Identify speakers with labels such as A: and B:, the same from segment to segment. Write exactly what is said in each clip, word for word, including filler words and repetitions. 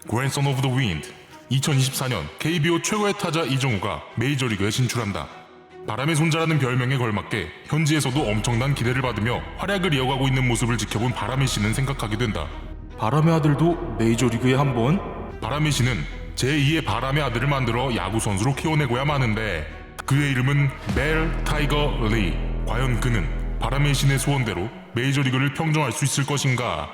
A: Grandson of the Wind. 이천이십사 년 케이비오 최고의 타자 이정우가 메이저리그에 진출한다. 바람의 손자라는 별명에 걸맞게 현지에서도 엄청난 기대를 받으며 활약을 이어가고 있는 모습을 지켜본 바람의 씨는 생각하게 된다.
B: 바람의 아들도 메이저리그에 한번?
A: 바람의 씨는 제이의 바람의 아들을 만들어 야구 선수로 키워내고야 마는데 그의 이름은 벨 타이거 리. 과연 그는 바람의 신의 소원대로 메이저리그를 평정할 수 있을 것인가?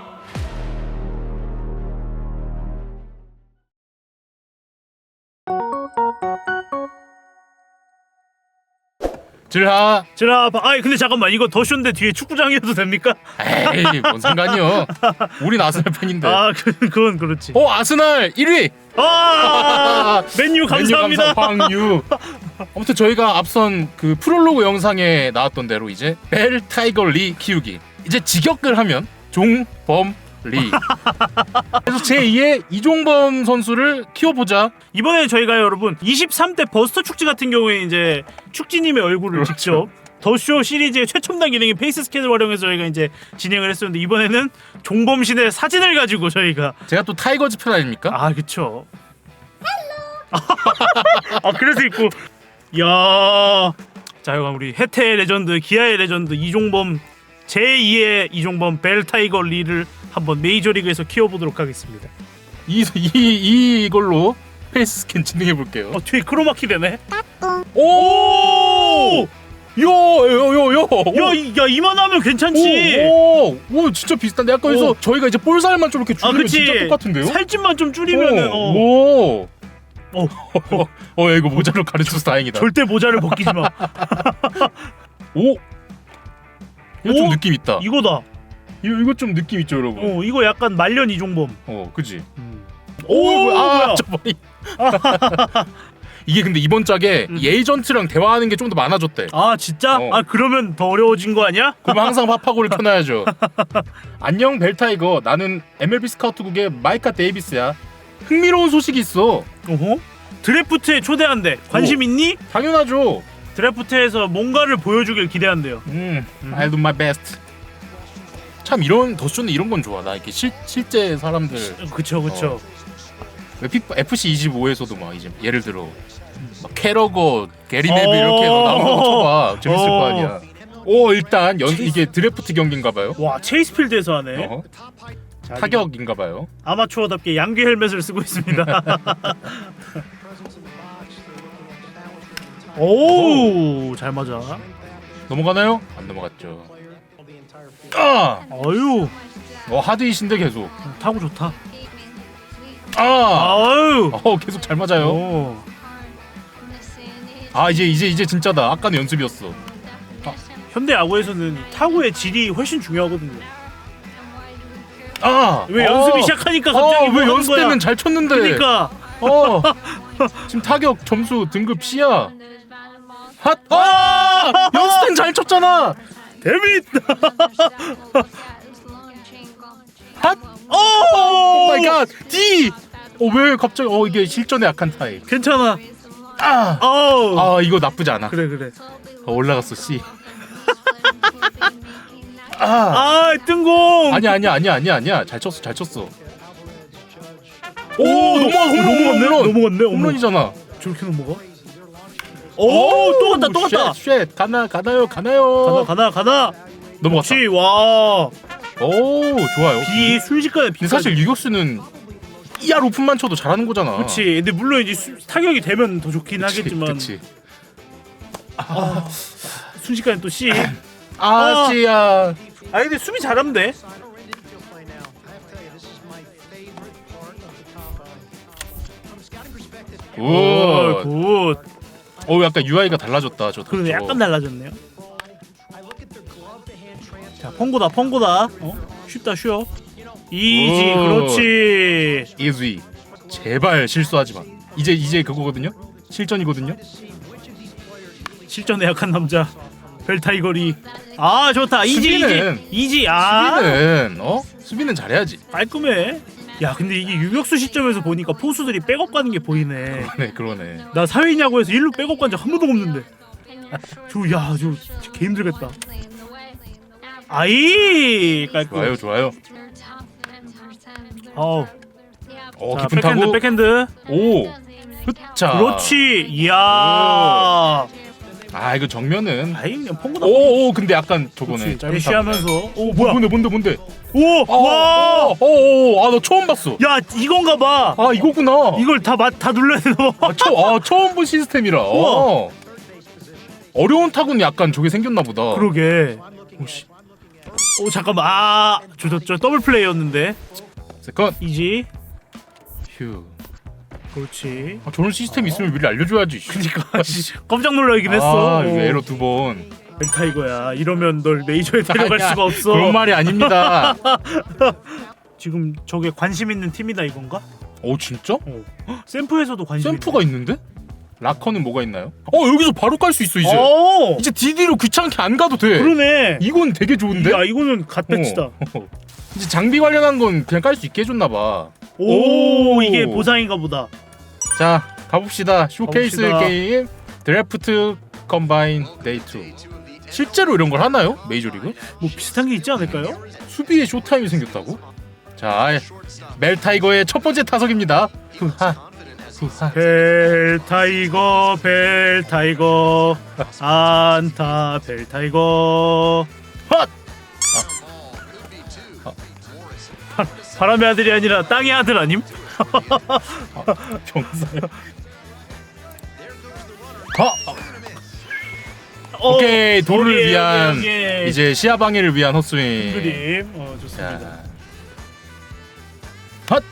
B: 들하.
C: 제가 아이 근데 잠깐만 이거 더 쇼인데 뒤에 축구장이어도 됩니까?
B: 에이 뭔 상관이요. 우린 아스날 팬인데.
C: 아 그, 그건 그렇지.
B: 어 아스날 일 위.
C: 아 맨유 감사합니다.
B: 맨유 감사 황유. 아무튼 저희가 앞선 그 프롤로그 영상에 나왔던 대로 이제 벨 타이거 리 키우기. 이제 직역을 하면 종범 리. 그래서 제이의 이종범 선수를 키워보자.
C: 이번에 저희가 여러분 이십삼 대 버스터 축제 같은 경우에 이제 축지님의 얼굴을
B: 그렇죠.
C: 직접 더쇼 시리즈의 최첨단 기능인 페이스 스캔을 활용해서 저희가 이제 진행을 했었는데 이번에는 종범신의 사진을 가지고 저희가
B: 제가 또 타이거즈 팬 아닙니까?
C: 아 그쵸. 아 그래서 있고 야. 자 이거 우리 해태의 레전드 기아의 레전드 이종범 제이의 이종범 벨 타이거 리를 한번 메이저리그에서 키워보도록 하겠습니다.
B: 이, 이, 이걸로 페이스 스캔 진행해 볼게요.
C: 어 뒤에 크로마키 되네.
B: 오! 요요요요.
C: 야, 이- 야 이만하면 괜찮지.
B: 오, 오, 오, 진짜 비슷한데 아까 여기서
C: 오.
B: 저희가 이제 볼살만 좀 이렇게
C: 아
B: 줄이면
C: 그치.
B: 진짜 똑같은데요?
C: 살집만 좀 줄이면은 어,
B: 오,
C: 어,
B: 오, 어, 야, 이거 모자로 가르쳐서 다행이다.
C: 절대 모자를 벗기지 마.
B: 오, 이거 좀
C: 오?
B: 느낌 있다.
C: 이거다.
B: 이거 이거 좀 느낌 있죠, 여러분.
C: 어 이거 약간 말년 이종범.
B: 어, 그지.
C: 오,
B: 오, 아,
C: 뭐야?
B: 저 머리. 이게 근데 이번 짝에
C: 음.
B: 이 에이전트랑 대화하는 게 좀 더 많아졌대.
C: 아 진짜?
B: 어.
C: 아 그러면 더 어려워진 거 아니야?
B: 그럼 항상 파파고를 켜놔야죠. 안녕 벨타이거, 나는 엠엘비 스카우트국의 마이카 데이비스야. 흥미로운 소식이 있어.
C: 어허? 드래프트에 초대한대. 관심
B: 오.
C: 있니?
B: 당연하죠.
C: 드래프트에서 뭔가를 보여주길 기대한대요.
B: 음, I'll do my best. 참 이런 더쇼는 이런 건 좋아. 나 이렇게 실 실제 사람들
C: 그쵸 그쵸.
B: 에프씨 이십오에서도 막 이제 예를 들어 막 캐러거, 게리 네빌 이렇게 해서 나오는 거 쳐봐. 재밌을 거 아니야. 오 일단 연 이게 드래프트 경기인가봐요.
C: 와 체이스필드에서 하네.
B: 어,
C: 자,
B: 타격인가봐요.
C: 아마추어답게 양귀 헬멧을 쓰고 있습니다. 오, 잘 맞아.
B: 넘어가나요? 안 넘어갔죠. 아,
C: 아유,
B: 어 하드이신데 계속.
C: 타고 좋다.
B: 아,
C: 아유.
B: 어 계속 잘 맞아요.
C: 오.
B: 아 이제 이제 이제 진짜다. 아까는 연습이었어.
C: 현대 야구에서는 타구의 질이 훨씬 중요하거든요.
B: 아,
C: 왜
B: 어.
C: 연습이 시작하니까 갑자기
B: 어,
C: 뭐
B: 왜
C: 하는
B: 연습
C: 거야?
B: 때는 잘 쳤는데.
C: 그러니까.
B: 어. 지금 타격 점수 등급 C야. 핫. 아! 연습 때는 잘 쳤잖아.
C: 데빗.
B: 핫. 오 마이 갓. D. 어 왜 갑자기 어 이게 실전에 약한 타입.
C: 괜찮아.
B: 아.
C: 어우.
B: 아 이거 나쁘지 않아.
C: 그래 그래.
B: 어, 올라갔어 C. 아.
C: 아, 뜬공.
B: 아니야 아니야 아니야 아니야 아니야. 잘 쳤어 잘 쳤어. 오 넘어가
C: 넘어갔네. 넘어갔네. 어머.
B: 홈런이잖아.
C: 저렇게 넘어가? 오, 또 갔다 또 갔다.
B: 쉣, 쉣. 가나 가나요 가나요.
C: 가나 가나 가나.
B: 넘어갔다.
C: 그렇지. 와.
B: 오 좋아요.
C: 비 순식간에 비.
B: 근데 사실 유격수는 이알 오픈만 쳐도 잘하는 거잖아.
C: 그렇지. 근데 물론 이제 수, 타격이 되면 더 좋긴
B: 그치,
C: 하겠지만.
B: 그치.
C: 아, 순식간에 또 C.
B: 아,
C: 아.
B: 씨야.
C: 아 근데 수비 잘하면 돼.
B: 오.
C: 오, 굿.
B: 어, 약간 유아이가 달라졌다. 저.
C: 그러네.
B: 저거.
C: 약간 달라졌네요. 자, 펑고다, 펑고다. 어? 쉽다, 쉬워. 이지,
B: 오.
C: 그렇지.
B: 이즈이. 제발 실수하지 마. 이제 이제 그거거든요. 실전이거든요.
C: 실전에 약한 남자. 벨타이거리. 아, 좋다. 이지,
B: 수비는-
C: 이지, 이지. 아,
B: 수비는 어? 수비는 잘해야지.
C: 깔끔해. 야, 근데 이게 유격수 시점에서 보니까 포수들이 백업 가는 게 보이네.
B: 네, 그러네.
C: 나 사회인야구에서 일루 백업 간 적 한 번도 없는데. 저, 야, 저, 진짜 개 힘들겠다. 아이, 깔끔.
B: 좋아요, 좋아요.
C: 어우.
B: 어
C: 자,
B: 깊은
C: 백핸드
B: 타구.
C: 백핸드.
B: 오. 흑자.
C: 그렇지. 이야.
B: 아 이거 정면은.
C: 아이 그냥 펑구다.
B: 오오 근데 약간 저거네. 짧은
C: 대시하면서. 오
B: 타구.
C: 뭐야?
B: 뭔데 뭔데 뭔데.
C: 오 와.
B: 오오아나 처음 봤어.
C: 야 이건가 봐.
B: 아 이거구나.
C: 이걸 다다 눌러야 돼 너.
B: 아, 처, 아 처음 본 시스템이라. 어. 어려운 타구는 약간 저게 생겼나 보다.
C: 그러게. 오씨. 오 잠깐만. 아, 저저 더블 플레이였는데.
B: 세컨.
C: 이지.
B: 휴.
C: 그렇지.
B: 아, 저런 시스템 있으면 미리 알려줘야지.
C: 그니까 깜짝 놀라긴 했어.
B: 아, 이거 에러 두 번.
C: 벨타이거야. 이러면 널 메이저에 데려갈
B: 아니야,
C: 수가 없어.
B: 그런 말이 아닙니다.
C: 지금 저게 관심 있는 팀이다 이건가?
B: 오 진짜?
C: 어. 샘프에서도 관심.
B: 샘프가 있는데? 락커는 뭐가 있나요? 어 여기서 바로 깔 수 있어 이제.
C: 오.
B: 이제 디디로 귀찮게 안 가도 돼.
C: 그러네.
B: 이건 되게 좋은데?
C: 야 이거는 갓배치다.
B: 어. 이제 장비 관련한 건 그냥 깔 수 있게 해줬나 봐.
C: 오,
B: 오.
C: 이게 보상인가 보다.
B: 자 가봅시다. 쇼케이스
C: 가봅시다.
B: 게임 드래프트 컴바인 데이 투. 실제로 이런 걸 하나요? 메이저리그?
C: 뭐 비슷한 게 있지 않을까요?
B: 수비에 쇼타임이 생겼다고? 자 멜타이거의 첫 번째 타석입니다. 후하 후하.
C: 벨타이거 벨타이거 안타 벨타이거
B: 헛!
C: 바, 바람의 아들이 아니라 땅의 아들 아님?
B: 병사요. 가.
C: 어,
B: 오케이 도를
C: 오케이,
B: 위한
C: 오케이, 오케이.
B: 이제 시야 방해를 위한 헛스윙.
C: 그림 어 좋습니다.
B: 자. 헛.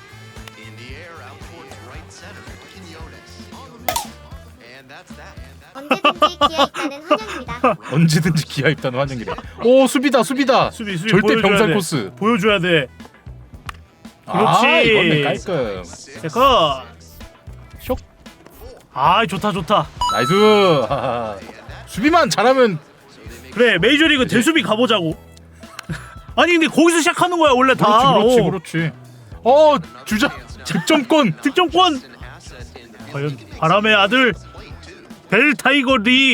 D: 언제든지 기아 있다는 환영입니다.
B: 언제든지 기아 입다는 환영이래. 오 수비다 수비다.
C: 수비 수비
B: 절대
C: 보여줘야
B: 병살
C: 돼.
B: 코스.
C: 보여줘야 돼.
B: 아
C: 그렇지.
B: 이건 깔끔.
C: 세컨
B: 쇽.
C: 아 좋다 좋다.
B: 나이스. 하하. 수비만 잘하면
C: 그래 메이저리그 대수비 가보자고. 아니 근데 거기서 시작하는 거야 원래 다.
B: 그렇지 그렇지
C: 어.
B: 그렇지. 어 주자 득점권.
C: 득점권. 과연 바람의 아들 벨타이거 리.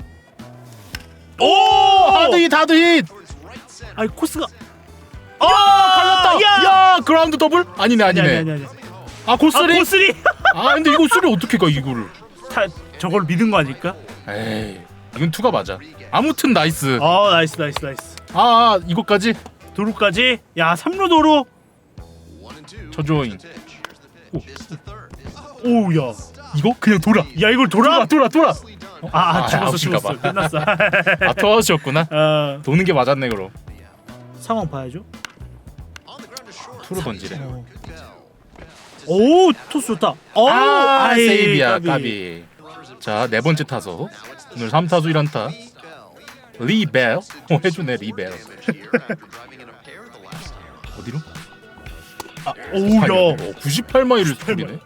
C: 오
B: 하드힛 하드힛.
C: 아니 코스가.
B: 아 갈렸다.
C: 야!
B: 야 그라운드 더블? 아니네
C: 아니
B: 아니네.
C: 아니 아니 아니.
B: 아
C: 아
B: 고스리?
C: 코스리.
B: 아 근데 이거 수리 어떻게 가 이거를?
C: 타 저걸 믿은 거 아닐까?
B: 에이 이건 투가 맞아. 아무튼 나이스.
C: 아 나이스 나이스 나이스.
B: 아, 아 이거까지
C: 도루까지. 야 삼루 도루.
B: 저조잉.
C: 오우야.
B: 이거 그냥 돌아.
C: 야 이걸 돌아?
B: 돌아 돌아.
C: 아, 아
B: 아,
C: 죽었어
B: 아웃인가
C: 죽었어.
B: 봐.
C: 끝났어.
B: 아 투아웃이었구나.
C: 어,
B: 도는 게 맞았네 그럼.
C: 상황 봐야죠.
B: 투로 던지래.
C: 오 토스 좋다. 오,
B: 아
C: 아이,
B: 세이비야 까비. 자 네 번째 타석. 오늘 삼 타수 일 안타. 리벨. 어 해주네 리벨. 어디로?
C: 아, 오우야.
B: 오, 구십팔 마일을 뿌리네.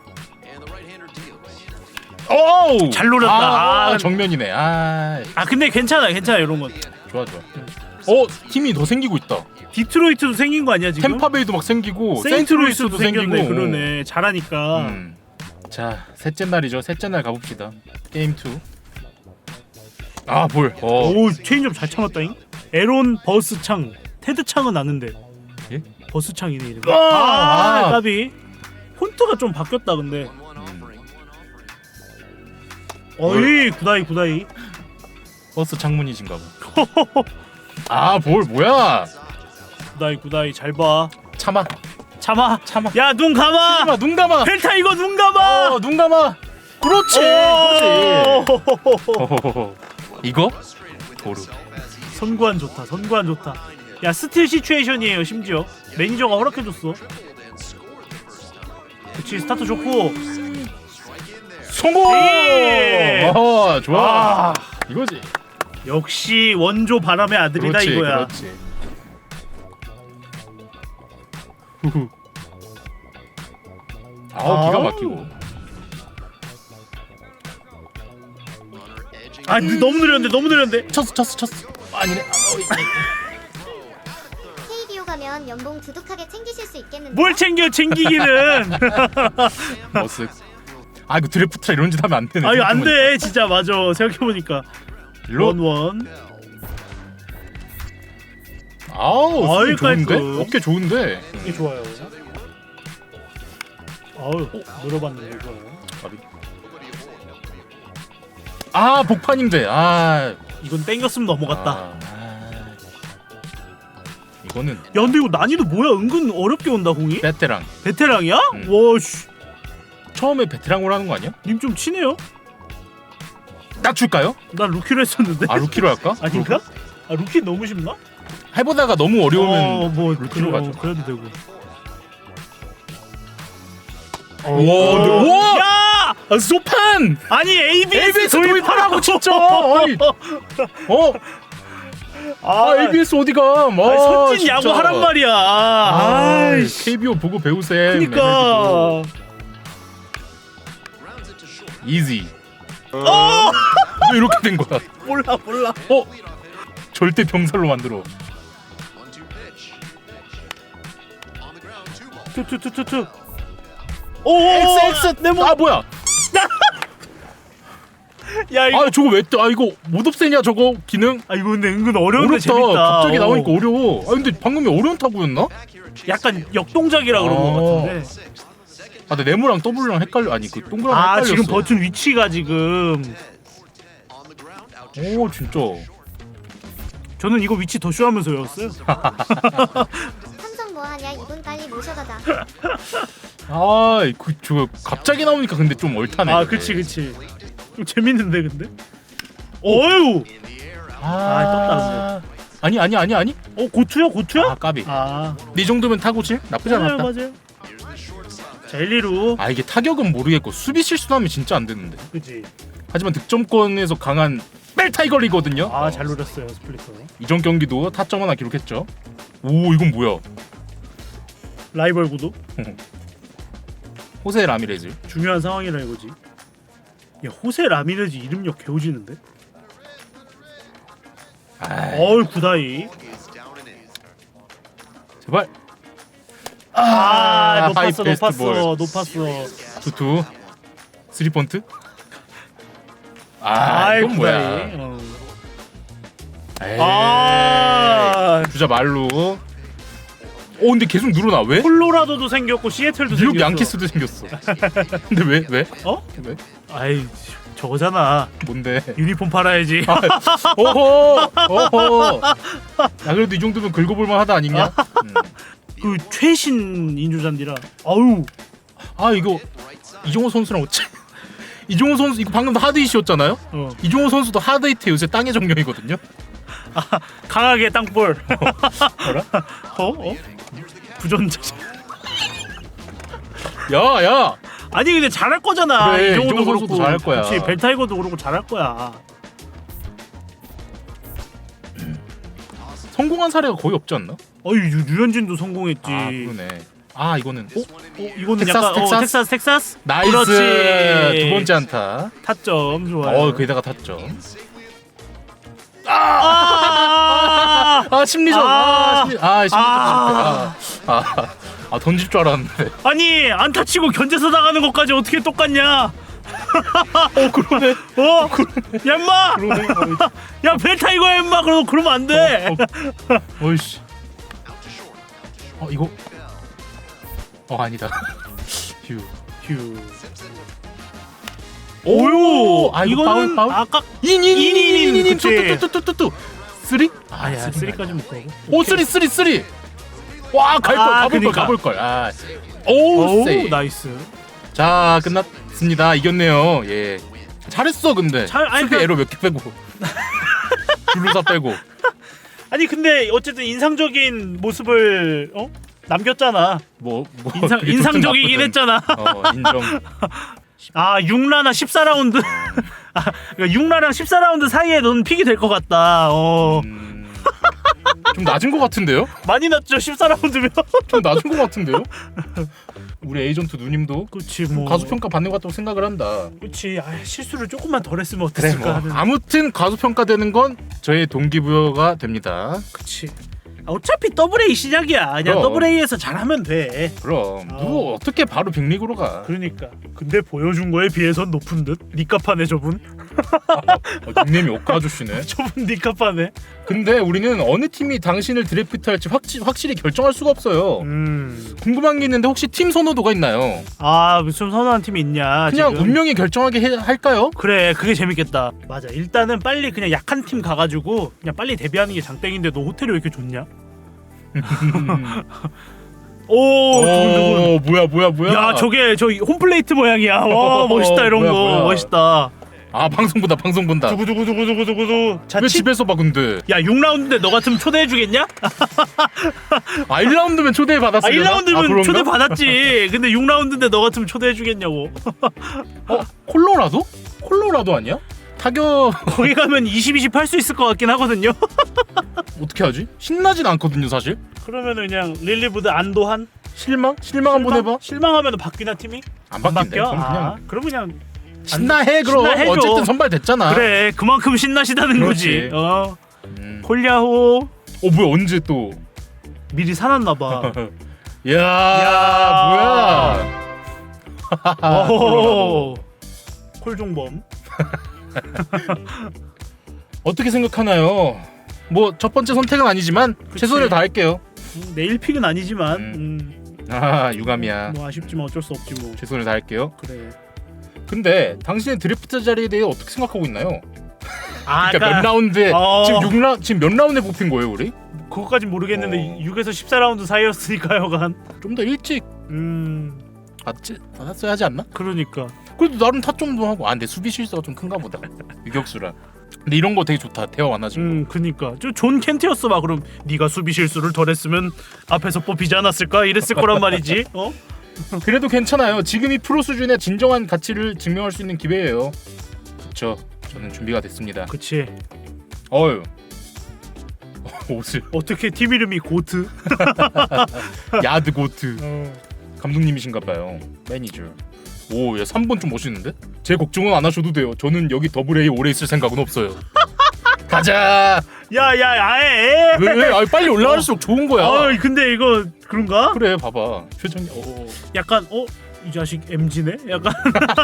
B: 오!
C: 잘 노렸다.
B: 아,
C: 아.
B: 정면이네. 아,
C: 아 근데 괜찮아 괜찮아 이런 건.
B: 좋아 좋아. 어, 팀이 더 생기고 있다.
C: 디트로이트도 생긴 거 아니야 지금?
B: 템파베이도 막 생기고
C: 세인트루이스도
B: 세인트루이스도
C: 생겼네.
B: 생기고.
C: 그러네 잘하니까.
B: 음. 자, 셋째 날이죠. 셋째 날 가봅시다. 게임 투. 아, 볼. 어.
C: 오 체인점 잘 참았다잉. 에론 버스 창. 테드 창은 아는데.
B: 예?
C: 버스 창이네 이름.
B: 아!
C: 아,
B: 아.
C: 까비. 폰트가 좀 바뀌었다 근데.
B: 음.
C: 어이 구다이 구다이.
B: 버스 창문이신가 봐. 아, 볼 뭐야?
C: 구다이 구다이 잘 봐.
B: 참아.
C: 참아.
B: 참아.
C: 야 눈 감아.
B: 참아. 눈 감아.
C: 벨타 이거 눈 감아.
B: 어, 눈 감아. 그렇지. 그렇지. 호호호호. 이거? 도루.
C: 선구안 좋다. 선구안 좋다. 야 스틸 시츄에이션이에요. 심지어 매니저가 허락해줬어. 그렇지 스타트 좋고.
B: 성공!
C: 예!
B: 어, 좋아.
C: 아
B: 이거지.
C: 역시 원조 바람의 아들이다
B: 그렇지,
C: 이거야.
B: 그렇지. 후후. 아우 기가 막히고.
C: 아 너무 느렸는데 너무 느렸는데.
B: 쳤어 쳤어 쳤어. 아니네.
D: 케이비오 가면 연봉 두둑하게 챙기실 수 있겠는데.
C: 뭘 챙겨 챙기기는.
B: 머쓱. 아 이거 드래프트라 이런 짓 하면 안 되네.
C: 아 이거 안 돼 진짜 맞아 생각해 보니까.
B: 일로.
C: 원원.
B: 아우
C: 아이,
B: 수비 좋은데?
C: 깔끔.
B: 어깨 좋은데.
C: 이게 좋아요. 아우 물어봤는데 이거.
B: 아 복판인데 아
C: 이건 땡겼으면 넘어갔다.
B: 아, 아. 이거는
C: 야 근데 이거 난이도 뭐야? 은근 어렵게 온다 공이.
B: 베테랑.
C: 베테랑이야?
B: 음.
C: 와씨
B: 처음에 베테랑으로 하는 거 아니야?
C: 님 좀 치네요?
B: 딱 줄까요?
C: 난 루키로 했었는데.
B: 아 루키로 할까?
C: 아닌가? 아 루키 너무 쉽나?
B: 해보다가 너무 어려우면
C: 어, 뭐
B: 루키로
C: 그래,
B: 가죠.
C: 그래도 되고.
B: 와, 네. 와!
C: 야!
B: 아, 소판!
C: 아니 에이비에스,
B: 에이비에스 도입하라고 진짜! 아니, 어? 아, 에이비에스 어디가? 뭐
C: 아니, 선진 야구 하란 말이야. 아이씨.
B: 케이비오 보고 배우세요.
C: 그니까.
B: 이지.
C: 어!
B: 왜 이렇게 된 거야?
C: 몰라 몰라.
B: 어? 절대 병살로 만들어.
C: 투투투투투. 오!
B: 엑스 엑스.
C: 내 몸.
B: 아 뭐야?
C: 야 이거.
B: 아 저거 왜 또? 아 이거 못 없애냐 저거 기능?
C: 아 이거 근데 은근 어려운데
B: 어렵다.
C: 재밌다.
B: 갑자기
C: 어.
B: 나오니까 어려워. 아 근데 방금이 어려운 타구였나?
C: 약간 역동작이라 그런
B: 어.
C: 것 같은데.
B: 아 근데 네모랑 더블랑 헷갈려. 아니 그 동그랑
C: 아
B: 헷갈렸어.
C: 지금 버튼 위치가 지금.
B: 오 진짜.
C: 저는 이거 위치 더 쇼하면서 외웠어요.
D: 삼성 뭐하냐 이분 빨리 모셔가자.
B: 아그 저거 갑자기 나오니까 근데 좀 얼타네.
C: 아 그치 그치. 좀 재밌는데 근데. 어유. 아, 떴다,
B: 아니 아니 아니 아니.
C: 어 고투야 고투야?
B: 아 까비.
C: 아
B: 네 정도면 타구질 나쁘지
C: 맞아요
B: 않았다.
C: 맞아요. 자 일리루.
B: 아 이게 타격은 모르겠고 수비 실수하면 진짜 안 되는데.
C: 그치.
B: 하지만 득점권에서 강한 벨타이거리거든요.
C: 아 잘 노렸어요 스플리터.
B: 이전 경기도 타점 하나 기록했죠. 오 이건 뭐야?
C: 라이벌 구도.
B: 호세 라미레즈.
C: 중요한 상황이라 이거지. 야 호세 라미레즈 이름력 개우지는데?
B: 아
C: 어이 구다이.
B: 제발.
C: 아,
B: 아,
C: 높았어
B: 하이 패스트 볼.
C: 높았어 높았어.
B: 투투 쓰리 펀트. 아
C: 아이
B: 이건
C: 구다이.
B: 뭐야?
C: 어.
B: 에이,
C: 아
B: 주자 말로. 오 근데 계속 늘어나 왜?
C: 콜로라도도 생겼고 시애틀도
B: 뉴욕
C: 생겼어.
B: 양키스도 생겼어. 근데 왜 왜?
C: 어?
B: 왜?
C: 아이 저거잖아.
B: 뭔데?
C: 유니폼 팔아야지.
B: 아, 오호 오호. 야 그래도 이 정도면 긁어볼만 하다 아니냐? 음.
C: 그 최신 인조잔디라. 아우.
B: 아 이거 이종호 선수랑 어째? 이종호 선수 이거 방금 하드 이슈였잖아요.
C: 어.
B: 이종호 선수도 하드 히트 요새 땅의 정령이거든요.
C: 강하게 땅볼.
B: 뭐라?
C: 어? 어? 부전자.
B: 야 야.
C: 아니 근데 잘할 거잖아.
B: 그래,
C: 이종호도
B: 이종호 선수도
C: 그렇고.
B: 잘할 거야.
C: 그렇지. 벨타이거도 그렇고 잘할 거야.
B: 성공한 사례가 거의 없지 않나?
C: 어이 유- 유현진도 성공했지.
B: 아 그러네. 아 이거는 어?
C: 어, 이거는
B: 텍사스,
C: 약간
B: 텍사스?
C: 어, 텍사스 텍사스.
B: 나이스
C: 그렇지.
B: 두 번째 안타.
C: 타점 좋아요.
B: 어 거기다가 탔죠.
C: 아!
B: 아 심리전. 아,
C: 아,
B: 심리. 아 심리전.
C: 아.
B: 아, 아, 아 던질 줄 알았는데.
C: 아니 안타 치고 견제서 나가는 것까지 어떻게 똑같냐?
B: 어 그러네.
C: 어? 야 임마!
B: 그러네. 어이,
C: 야 벨타이거야 임마! 그러 그러면 안 돼.
B: 어, 어, 어이씨. 어 이거. 어 아니다. 휴.
C: 휴.
B: 오요. 아 이거
C: 이거는
B: 파울 파울.
C: 아까
B: 인인인인인인
C: 그치.
B: 뚜뚜뚜뚜뚜뚜. 쓰리?
C: 아야
B: 쓰리
C: 쓰리까지 못 가고.
B: 오 쓰리 쓰리 쓰리. 와 갈 걸
C: 아,
B: 가볼 걸
C: 그니까.
B: 가볼 걸. 아. 오
C: 오
B: 세이.
C: 나이스.
B: 자 끝났습니다. 이겼네요. 예. 잘했어 근데.
C: 잘- 아니,
B: 수비
C: 그-
B: 에러 몇 개 빼고. 블루사 빼고.
C: 아니 근데 어쨌든 인상적인 모습을 어? 남겼잖아.
B: 뭐, 뭐
C: 인상
B: 그게
C: 인상적이긴
B: 좋든
C: 했잖아.
B: 나쁘든. 어 인정.
C: 아 육 라나 십사 라운드. 아, 그러니까 육 라랑 십사 라운드 사이에 넌 픽이 될 것 같다. 어.
B: 음, 좀 낮은 것 같은데요?
C: 많이 났죠 십사 라운드면.
B: 좀 낮은 것 같은데요? 우리 에이전트 누님도
C: 그치 뭐.
B: 가수 평가 받는 것 같다고 생각을 한다.
C: 그치. 아, 실수를 조금만 덜 했으면
B: 그래
C: 어땠을까
B: 뭐
C: 하는.
B: 아무튼 가수 평가되는 건 저의 동기부여가 됩니다.
C: 그치. 아, 어차피 더블 A 시작이야. 그냥
B: 그럼.
C: 더블 A에서 잘하면 돼.
B: 그럼
C: 아.
B: 누구 어떻게 바로 빅리그로 가?
C: 그러니까. 근데 보여준 거에 비해선 높은 듯. 니값하네 저분.
B: 어, 닉네임이 오카 아저씨네.
C: 좁은 니카파네.
B: 근데 우리는 어느 팀이 당신을 드래프트할지 확지, 확실히 결정할 수가 없어요.
C: 음.
B: 궁금한 게 있는데 혹시 팀 선호도가 있나요?
C: 아 무슨 선호한 팀이 있냐?
B: 그냥
C: 지금?
B: 운명이 결정하게 해, 할까요?
C: 그래 그게 재밌겠다. 맞아. 일단은 빨리 그냥 약한 팀 가가지고 그냥 빨리 데뷔하는 게 장땡인데 너 호텔이 왜 이렇게 좋냐? 오, 두근두근.
B: 오 뭐야 뭐야 뭐야.
C: 야 저게 저 홈플레이트 모양이야. 와 멋있다 이런
B: 뭐야,
C: 거
B: 뭐야.
C: 멋있다.
B: 아 방송 본다 방송 본다.
C: 두구두구두구두구두구. 자,
B: 왜
C: 치...
B: 집에서 봐 근데?
C: 야 육 라운드인데 너 같으면 초대해주겠냐?
B: 아 일 라운드면 초대
C: 아
B: 받았으려나?
C: 일 라운드면
B: 아, 그런가?
C: 초대 받았지. 근데 육 라운드인데 너 같으면 초대해주겠냐고.
B: 어 콜로라도? 콜로라도 아니야? 타격
C: 거기 가면 이십 이십 할 수 있을 것 같긴 하거든요.
B: 어떻게 하지? 신나진 않거든요 사실.
C: 그러면은 그냥 릴리브드 안도한
B: 실망? 실망 한번 해봐.
C: 실망하면 바뀌나 팀이?
B: 안 바뀐대.
C: 바뀌어?
B: 그럼 그냥
C: 아, 그럼 그냥
B: 신나해 그럼.
C: 신나해줘.
B: 어쨌든 선발됐잖아.
C: 그래 그만큼 신나시다는
B: 그렇지.
C: 거지. 어
B: 음.
C: 콜야호
B: 어 뭐야 언제 또?
C: 미리 사놨나 봐.
B: 야,
C: 야.
B: 뭐야?
C: 오 콜종범.
B: 어떻게 생각하나요? 뭐 첫 번째 선택은 아니지만
C: 그치.
B: 최선을 다할게요.
C: 음, 내일 픽은 아니지만
B: 음.
C: 음,
B: 아 유감이야.
C: 뭐 아쉽지만 어쩔 수 없지 뭐.
B: 최선을 다할게요.
C: 그래.
B: 근데 당신의 드래프트 자리에 대해 어떻게 생각하고 있나요?
C: 아
B: 그러니까 몇 라운드에
C: 어.
B: 지금 육 라 지금 몇 라운드에 뽑힌 거예요 우리?
C: 그거까진 모르겠는데
B: 어.
C: 육에서 십사 라운드 사이였으니까요간.
B: 좀 더 일찍
C: 음
B: 받지 받았어야 하지 않나?
C: 그러니까.
B: 그래도 나름 타점도 하고. 아 근데 수비 실수가 좀 큰가 보다. 유격수라. 근데 이런 거 되게 좋다. 대화 많아지고.
C: 음 그니까 저 존 켄트였어 막 그럼 네가 수비 실수를 덜했으면 앞에서 뽑히지 않았을까 이랬을 거란 말이지. 어?
B: 그래도 괜찮아요. 지금이 프로 수준의 진정한 가치를 증명할 수 있는 기회예요. 그쵸. 저는 준비가 됐습니다.
C: 그치.
B: 어휴. 옷을
C: 어떻게 팀 이름이 고트?
B: 야드 고트
C: 어.
B: 감독님이신가봐요. 매니저. 오, 야 삼 번 좀 멋있는데? 제 걱정은 안 하셔도 돼요. 저는 여기 더블 A 오래 있을 생각은 없어요. 가자.
C: 야야 아예.
B: 왜? 왜? 아, 빨리 올라갈수록 좋은 거야.
C: 아 근데 이거 그런가?
B: 그래, 봐봐. 표정이. 어.
C: 약간 어? 이 자식 엠지네? 약간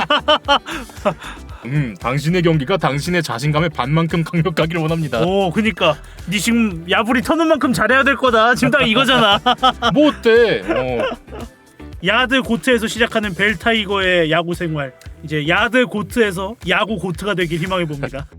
B: 음, 당신의 경기가 당신의 자신감의 반만큼 강력하기를 원합니다.
C: 오 그니까 니 지금 야불이 터는 만큼 잘해야 될 거다. 지금 딱 이거잖아.
B: 뭐 어때? 어.
C: 야드 고트에서 시작하는 벨 타이거의 야구 생활. 이제 야드 고트에서 야구 고트가 되길 희망해 봅니다.